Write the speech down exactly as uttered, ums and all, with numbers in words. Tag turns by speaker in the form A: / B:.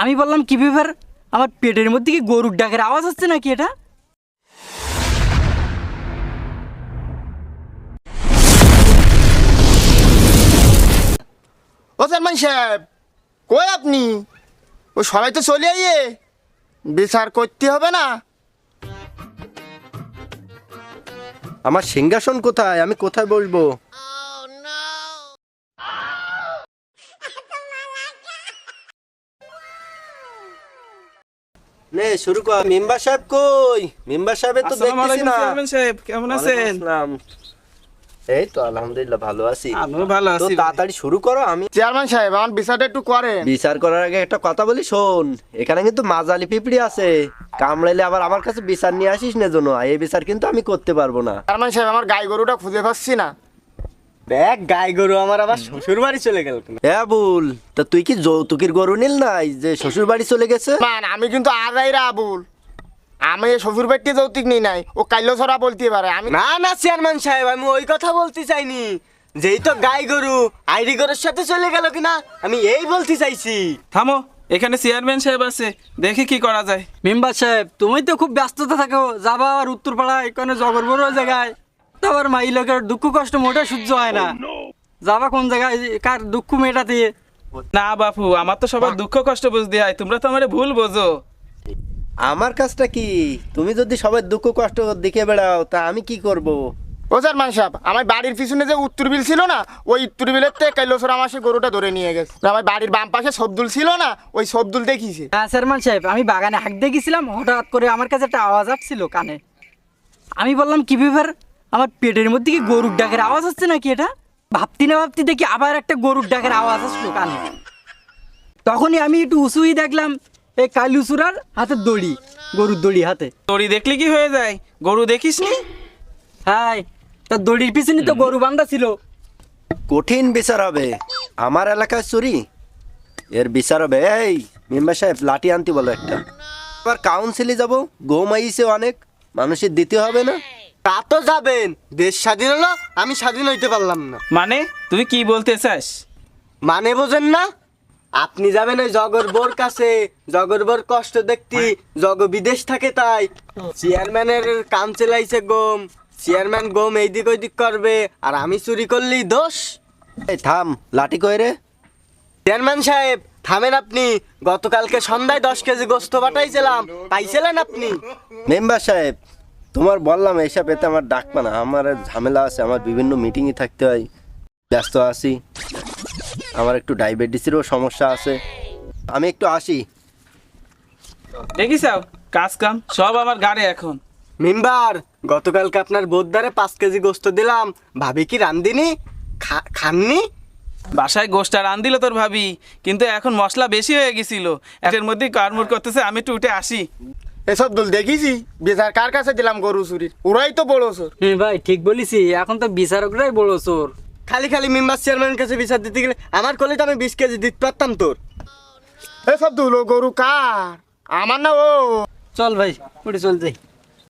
A: আমি বললাম কি ব্যাপার, আমার পেটের মধ্যে কি গরুর ডাকের আওয়াজ হচ্ছে নাকি? এটা
B: ও চেয়ারম্যান সাহেব, কই আপনি? ও সবাই তো চলে আইয়ে, বিচার করতে হবে না?
C: আমার সিংহাসন কোথায়? আমি কোথায় বসবো? নে শুরু কর। মেম্বার সাহেব কই? মেম্বার সাহেবের তো দেখতেছি না।
D: চেয়ারম্যান সাহেব কেমন আছেন?
C: এই তো আলহামদুলিল্লাহ ভালো আছি।
D: আমিও ভালো
C: তো
D: আছি।
C: তাড়াতাড়ি শুরু করো। আমি
B: চেয়ারম্যান সাহেব, আমার বিচারটা একটু করেন।
C: বিচার করার আগে একটা কথা বলি, শোন। এখানে কিন্তু মাজালি পিঁপড়ি আছে, কামড়াইলে আবার আমার কাছে বিচার নিয়ে আসিস না জন্য। এই বিচার কিন্তু আমি করতে পারবো না।
B: চেয়ারম্যান সাহেব, আমার গাই গরুটা খুঁজে পাচ্ছি না।
E: দেখ গাই গরু আমার আবার শ্বশুর বাড়ি চলে গেল।
C: হ্যাঁ বুল, তা তুই কি যৌতুকের গরু নিল নাই যে শ্বশুর বাড়ি চলে গেছে?
B: মান আমি কিন্তু আজাইরা আবুল, আমি শ্বশুর বাড়িতে যৌতুক নিই নাই। ও কাইলো ছড়া বলতে পারে। আমি
E: না না চেয়ারম্যান সাহেব, আমি ওই কথা বলতে চাইনি। যেই তো গাই গরু আইডি গরুর সাথে চলে গেল কিনা আমি এই বলতে চাইছি।
D: থামো, এখানে চেয়ারম্যান সাহেব আছে, দেখি কি করা যায়।
A: মেম্বার সাহেব, তুমি তো খুব ব্যস্ততা থাকো, যাবা আর উত্তরপাড়ায় এখানে জগর বড় জায়গায়, তারপর মাই লোকের দুঃখ কষ্ট মোটা সহ্য হয় না। যাবা কোন জায়গায়, কার দুঃখ মেটাতে?
D: না বাপু, আমার তো সবার দুঃখ কষ্ট বুঝতে হয়, তোমরা তো আমার ভুল বোঝো।
C: আমার কাজটা কি? তুমি যদি সবাই দুঃখ কষ্ট দেখে বেড়াও তা আমি কি করব?
B: ও চেয়ারম্যান সাহেব, আমার বাড়ির পিছনে যে উত্তর বিল ছিল না, ওই উত্তর বিলের থেকে কাইলো ছড়া আমার সে গরুটা ধরে নিয়ে গেছে। আমার বাড়ির বাম পাশে সবদুল ছিল না, ওই সবদুল দেখিছে।
A: হ্যাঁ চেয়ারম্যান সাহেব, আমি বাগানে হাঁক দিয়ে গেছিলাম, হঠাৎ করে আমার কাছে একটা আওয়াজ আসছিল কানে। আমি বললাম কি ব্যাপার, আমার পেটের মধ্যে কি গরুর ডাকের আওয়াজ হচ্ছে নাকি? এটা ভাবতি না ভাবতি দেখি আবার একটা গরুর ডাকের আওয়াজ আসলো কানে। তখনই আমি একটু উঁচুই দেখলাম এই কালুচুরার হাতে দড়ি, গরুর দড়ি হাতে।
D: দড়ি দেখলে কি হয়ে যায়? গরু দেখিস নি?
A: হ্যাঁ, তার দড়ির পিছনে তো গরু বান্ধা ছিল।
C: কঠিন বিচার হবে। আমার এলাকায় চুরি, এর বিচার হবে। এই মেম্বার সাহেব, লাঠি আনতে বলো একটা। আবার কাউন্সিলে যাব, গম আইছে অনেক, মানুষের দিতে হবে না?
E: তা তো যাবেন, দেশ স্বাধীন হলো, আমি স্বাধীন হইতে পারলাম না।
D: মানে তুই কি বলতে চাস?
E: মানে বোঝেন না? আপনি যাবেন ওই জগর বোর কাছে, জগর বোর কষ্ট দেখতি, জগ বিদেশ থাকে তাই। চেয়ারম্যানের কাম চালাইছে গম, চেয়ারম্যান গম এইদিক ওইদিক করবে, আর আমি চুরি করলেই দোষ।
C: এই থাম, লাঠি কই রে?
E: চেয়ারম্যান সাহেব থামেন আপনি। গতকালকে সন্ধ্যায় দশ কেজি গোস্ত পাঠাইছিলাম, পাইছিলেন আপনি?
C: মেম্বার সাহেব, তোমার বললাম এইসব এতে আমার ডাকবা না। আমার ঝামেলা আছে, আমার বিভিন্ন মিটিংয়ে থাকতে হয়, ব্যস্ত আছি। আমার একটু ডায়াবেটিসেরও সমস্যা আছে, আমি একটু আসি।
D: দেখিস কাজ কাম সব আমার গাড়ি এখন।
E: মেম্বার, গতকালকে আপনার বোদ্দারে পাঁচ কেজি গোস্ত দিলাম, ভাবি কি রান্দিনি? খা- খাননি?
D: বাসায় গোষ্ঠটা রান দিল তোর ভাবি, কিন্তু এখন মশলা বেশি হয়ে গেছিল, এর মধ্যে কারমুর করতেছে। আমি একটু উঠে আসি।
B: এসব দুল দেখিছি, বিচার কার কাছে দিলাম গরু চুরির? ওরাই তো বড় চোর।
A: হ্যাঁ ভাই, ঠিক বলিছি, এখন তো বিচারকরাই বড় চোর।
E: খালি খালি মেম্বার চেয়ারম্যানের কাছে বিচার দিতে গেলে আমার কলে তো আমি বিশ কেজি দিতে পারতাম তোর।
B: এসব দুল, ও গরু কার? আমার না ও।
A: চল ভাই, উঠে চল যাই।